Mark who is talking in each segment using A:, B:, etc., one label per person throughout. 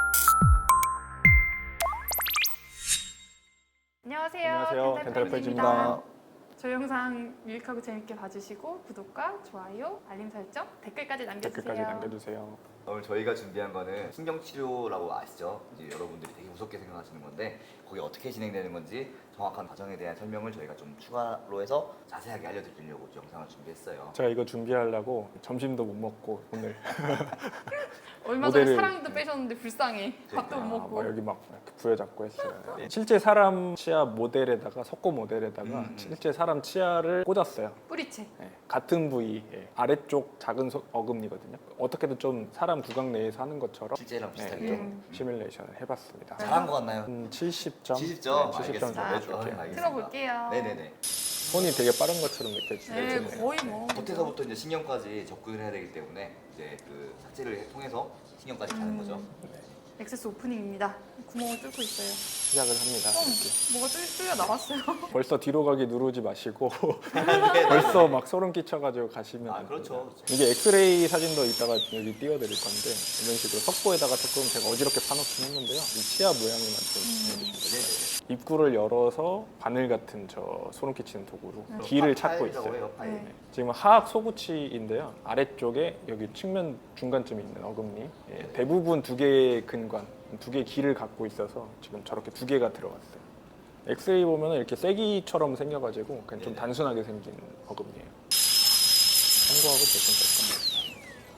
A: 안녕하세요.
B: 안녕하세요. 덴탈프렌즈입니다.
A: 저희 영상 유익하고 재밌게 봐주시고 구독과 좋아요, 알림 설정, 댓글까지 남겨주세요.
B: 댓글까지 남겨주세요.
C: 오늘 저희가 준비한 거는 신경치료라고 아시죠? 이제 여러분들이 되게 무섭게 생각하시는 건데 거기 어떻게 진행되는 건지 정확한 과정에 대한 설명을 저희가 좀 추가로 해서 자세하게 알려드리려고 영상을 준비했어요.
B: 제가 이거 준비하려고 점심도 못 먹고 오늘
A: 얼마 전에
B: 모델을-
A: 사랑니도 빼셨는데 불쌍해. 밥도 못 먹고.
B: 막 여기 막 이렇게 부여잡고 했어요. 실제 사람 치아 모델에다가 석고 모델에다가 실제 사람 치아를 꽂았어요.
A: 뿌리채.
B: 네, 같은 부위 아래쪽 작은 어금니거든요. 어떻게든 좀 사람 구강 내에서 하는 것처럼
C: 실제랑 비슷하게
B: 좀 시뮬레이션을 해봤습니다.
C: 잘한 것 같나요?
B: 70점?
C: 70점?
B: 70점 정도
C: 알겠습니다.
B: 줄게요.
C: 알겠습니다.
A: 틀어볼게요.
C: 네네네.
B: 손이 되게 빠른 것처럼 느껴지죠.
A: 네, 거의 뭐.
C: 겉에서부터 이제 신경까지 접근을 해야 되기 때문에 이제 그 삭제를 통해서 신경까지 가는 거죠.
A: 액세스 오프닝입니다. 구멍을 뚫고 있어요.
B: 시작을 합니다. 이렇게.
A: 뭐가 뚫려 나왔어요.
B: 벌써 뒤로 가기 누르지 마시고 벌써 막 소름 끼쳐가지고 가시면
C: 아
B: 안
C: 그렇죠.
B: 됩니다.
C: 그렇죠.
B: 이게 엑스레이 사진도 이따가 여기 띄워드릴 건데 이런 식으로 석고에다가 조금 제가 어지럽게 파놓긴 했는데요. 이 치아 모양을 만들어주시면 돼요.
C: 네네.
B: 입구를 열어서 바늘 같은 저 소름 끼치는 도구로 길을 찾고
C: 파일이라고
B: 있어요.
C: 해요, 파일.
A: 네.
B: 지금 하악 소구치인데요. 아래쪽에 여기 측면 중간쯤에 있는 어금니 대부분 두 개의 근관, 두 개의 길을 갖고 있어서 지금 저렇게 두 개가 들어갔어요. 엑스레이 보면 이렇게 쐐기처럼 생겨가지고 그냥 좀
C: 네네.
B: 단순하게 생긴 어금니예요. 참고하고 보시면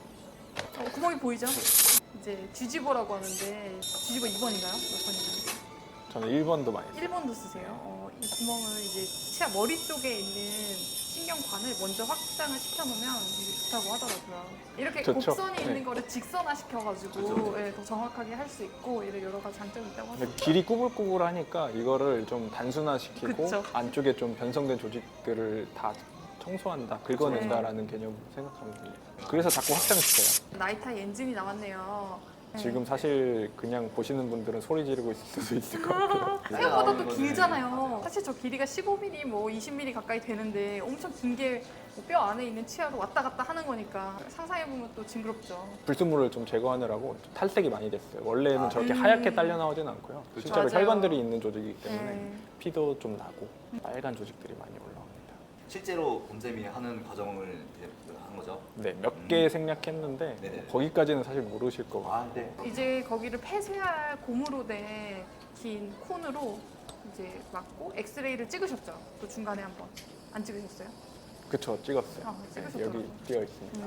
B: 될 겁니다.
A: 구멍이 보이죠? 이제 뒤집어라고 하는데 뒤집어 2번인가요? 몇 번인가요?
B: 저는 1번도 많이 써요.
A: 1번도 쓰세요. 이 구멍을 이제 치아 머리 쪽에 있는 신경관을 먼저 확장을 시켜놓으면 이게 좋다고 하더라고요. 이렇게
B: 좋죠.
A: 곡선이 있는
B: 네.
A: 거를 직선화 시켜가지고
C: 그쵸.
A: 예, 더 정확하게 할 수 있고 이런 여러 가지 장점이 있다고
B: 근데
A: 하더라고요.
B: 길이 꾸불꾸불하니까 이거를 좀 단순화시키고
A: 그쵸.
B: 안쪽에 좀 변성된 조직들을 다 청소한다, 긁어낸다라는 개념으로 생각하면 됩니다. 그래서 자꾸 확장시켜요.
A: 나이타이 엔진이 나왔네요. 네.
B: 지금 사실 그냥 보시는 분들은 소리 지르고 있을 수도 있을 것 같아요.
A: 생각보다 또
C: 이거는-
A: 길잖아요. 사실 저 길이가 15mm, 뭐 20mm 가까이 되는데 엄청 긴 게 뼈 안에 있는 치아로 왔다 갔다 하는 거니까 상상해보면 또 징그럽죠.
B: 불순물을 좀 제거하느라고 탈색이 많이 됐어요. 원래는 저렇게
A: 음.
B: 하얗게 딸려 나오진 않고요.
C: 그쵸.
B: 실제로
A: 맞아요.
B: 혈관들이 있는 조직이기 때문에
A: 네.
B: 피도 좀 나고 빨간 조직들이 많이 올라옵니다.
C: 실제로 곰쌤이 하는 과정을 이제 한 거죠.
B: 네, 몇 개 생략했는데
C: 네네.
B: 거기까지는 사실 모르실 거고.
C: 아, 네.
A: 이제 거기를 폐쇄할 고무로 된 긴 콘으로 이제 막고 엑스레이를 찍으셨죠? 또 중간에 한번 안 찍으셨어요?
B: 그쵸, 찍었어요.
A: 아,
B: 네,
A: 찍으셨더라고요.
B: 여기 띄어 있습니다.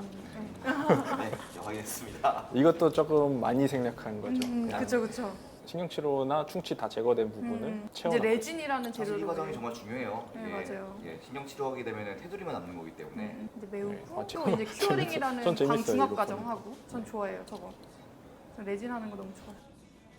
C: 네, 이제 확인했습니다.
B: 이것도 조금 많이 생략한 거죠. 그냥
A: 그쵸 그쵸.
B: 신경치료나 충치 다 제거된 부분을
A: 이제
B: 채워넣고
A: 레진이라는
C: 사실 이
A: 재료로
C: 과정이 정말 중요해요.
A: 네,
C: 이게
A: 맞아요.
C: 이게 신경치료하게 되면 테두리만 남는 거기 때문에
A: 이제 매우고
B: 네.
A: 또
B: 저-
A: 이제 큐어링이라는
B: 전 재밌어요,
A: 방중압
B: 이거
A: 과정
B: 보면.
A: 하고 전 좋아해요 저거. 전 레진 하는 거 너무 좋아요.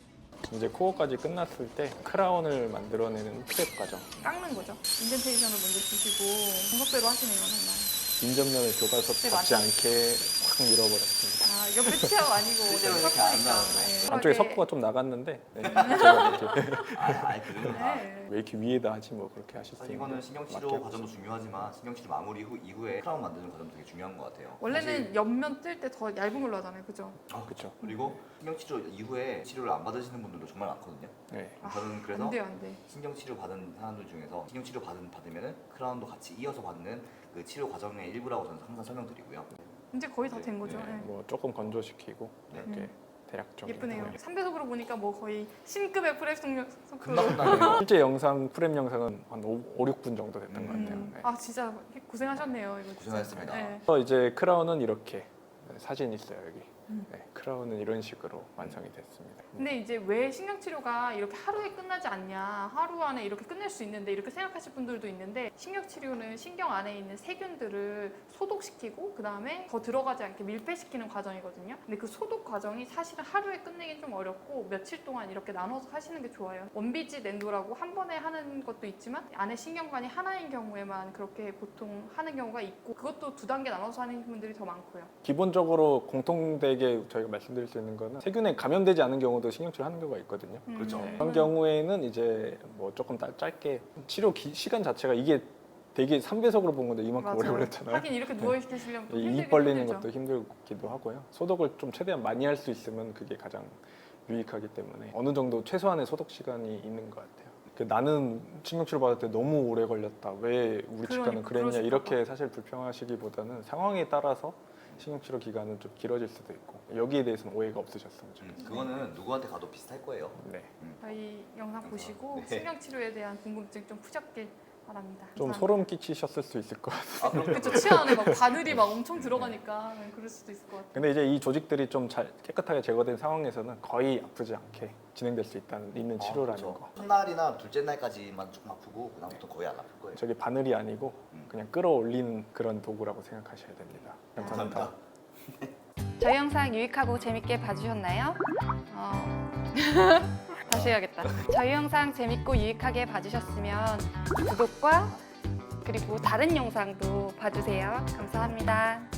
B: 이제 코어까지 끝났을 때 크라운을 만들어내는 프랩 과정.
A: 깎는 거죠. 인덴테이션을 먼저 주시고 분석대로 하시네요 정말.
B: 인접면을 교과서
A: 네,
B: 닿지
A: 맞아요.
B: 않게 확 밀어버렸습니다.
A: 아 옆에 치아가 아니고
C: 실제로
A: 어차피
C: 이렇게 안
A: 섞으니까.
C: 나와요.
A: 예.
B: 안쪽에
A: 그러게.
B: 석고가 좀 나갔는데 네, 제가 이렇게
C: 아예 그러면
A: 네.
B: 왜 이렇게 위에다 하지 뭐 그렇게 하실 수
C: 사실
B: 있는데
C: 이거는 신경치료
B: 맞게
C: 과정도 중요하지만 신경치료 마무리 이후에 크라운 만드는 과정도 되게 중요한 것 같아요.
A: 원래는
C: 사실-
A: 옆면 뜰 때 더 얇은 걸로 하잖아요, 그죠?
B: 그렇죠.
C: 그리고 신경치료 이후에 치료를 안 받으시는 분들도 정말 많거든요.
B: 네.
C: 저는 그래서
A: 안 돼요, 안 돼.
C: 신경치료 받은 사람들 중에서 신경치료 받으면은 크라운도 같이 이어서 받는 그 치료 과정의 일부라고 저는 항상 설명드리고요.
A: 이제 거의 다 된 거죠.
B: 네,
A: 예.
B: 뭐 조금 건조시키고
C: 네.
B: 이렇게 대략적인
A: 예쁘네요.
B: 네.
A: 3배속으로 보니까 뭐 거의 신급의 프레스
C: 금방
A: 속도로.
C: 끝나네요.
B: 실제 영상 프레임 영상은 한 5, 6분 정도 됐던 것 같아요. 네.
A: 아 진짜 고생하셨네요. 이거 진짜.
C: 고생하셨습니다.
A: 네.
B: 그래서 이제 크라운은 이렇게 사진 있어요 여기. 네, 크라운은 이런 식으로 완성이 됐습니다.
A: 근데 이제 왜 신경치료가 이렇게 하루에 끝나지 않냐, 하루 안에 이렇게 끝낼 수 있는데 이렇게 생각하실 분들도 있는데 신경치료는 신경 안에 있는 세균들을 소독시키고 그 다음에 더 들어가지 않게 밀폐시키는 과정이거든요. 근데 그 소독 과정이 사실은 하루에 끝내긴 좀 어렵고 며칠 동안 이렇게 나눠서 하시는 게 좋아요. 원비지 낸도라고 한 번에 하는 것도 있지만 안에 신경관이 하나인 경우에만 그렇게 보통 하는 경우가 있고 그것도 두 단계 나눠서 하는 분들이 더 많고요.
B: 기본적으로 공통되게 저희가 말씀드릴 수 있는 거는 세균에 감염되지 않은 경우도 신경치료 하는 경우가 있거든요.
C: 그렇죠.
B: 그런 경우에는 이제 뭐 조금 짧게 치료 시간 자체가 이게 되게 3배속으로 본 건데 이만큼 오래
A: 맞아요.
B: 걸렸잖아요.
A: 하긴 이렇게 누워 계시려면
B: 입 벌리는 것도 힘들기도 하고요. 소독을 좀 최대한 많이 할 수 있으면 그게 가장 유익하기 때문에 어느 정도 최소한의 소독 시간이 있는 것 같아요. 나는 신경치료 받을 때 너무 오래 걸렸다. 왜 우리 치과는
A: 그러니까,
B: 그랬냐
A: 그러실
B: 이렇게 사실 불평하시기보다는 상황에 따라서 신경치료 기간은 좀 길어질 수도 있고 여기에 대해서는 오해가 없으셨으면 좋겠어요.
C: 그거는 누구한테 가도 비슷할 거예요.
B: 네.
A: 저희 영상 보시고
C: 네.
A: 신경치료에 대한 궁금증 좀 푸셨길 바랍니다.
B: 좀
A: 감사합니다.
B: 소름 끼치셨을 수 있을 것 같아요.
C: 아, 그럼
A: 그쵸, 치아 안에 막 바늘이 막 엄청 들어가니까 그럴 수도 있을 것 같아요.
B: 근데 이제 이 조직들이 좀 잘 깨끗하게 제거된 상황에서는 거의 아프지 않게 진행될 수 있는 치료라는
C: 그렇죠.
B: 거.
C: 첫날이나 둘째 날까지만 조금 아프고 그다음부터 거의 안 아플 거예요.
B: 저게 바늘이 아니고 그냥 끌어올리는 그런 도구라고 생각하셔야 됩니다.
C: 감사합니다.
D: 저희 영상 유익하고 재밌게 봐주셨나요? 다시 해야겠다. 저희 영상 재밌고 유익하게 봐주셨으면 구독과 그리고 다른 영상도 봐주세요. 감사합니다.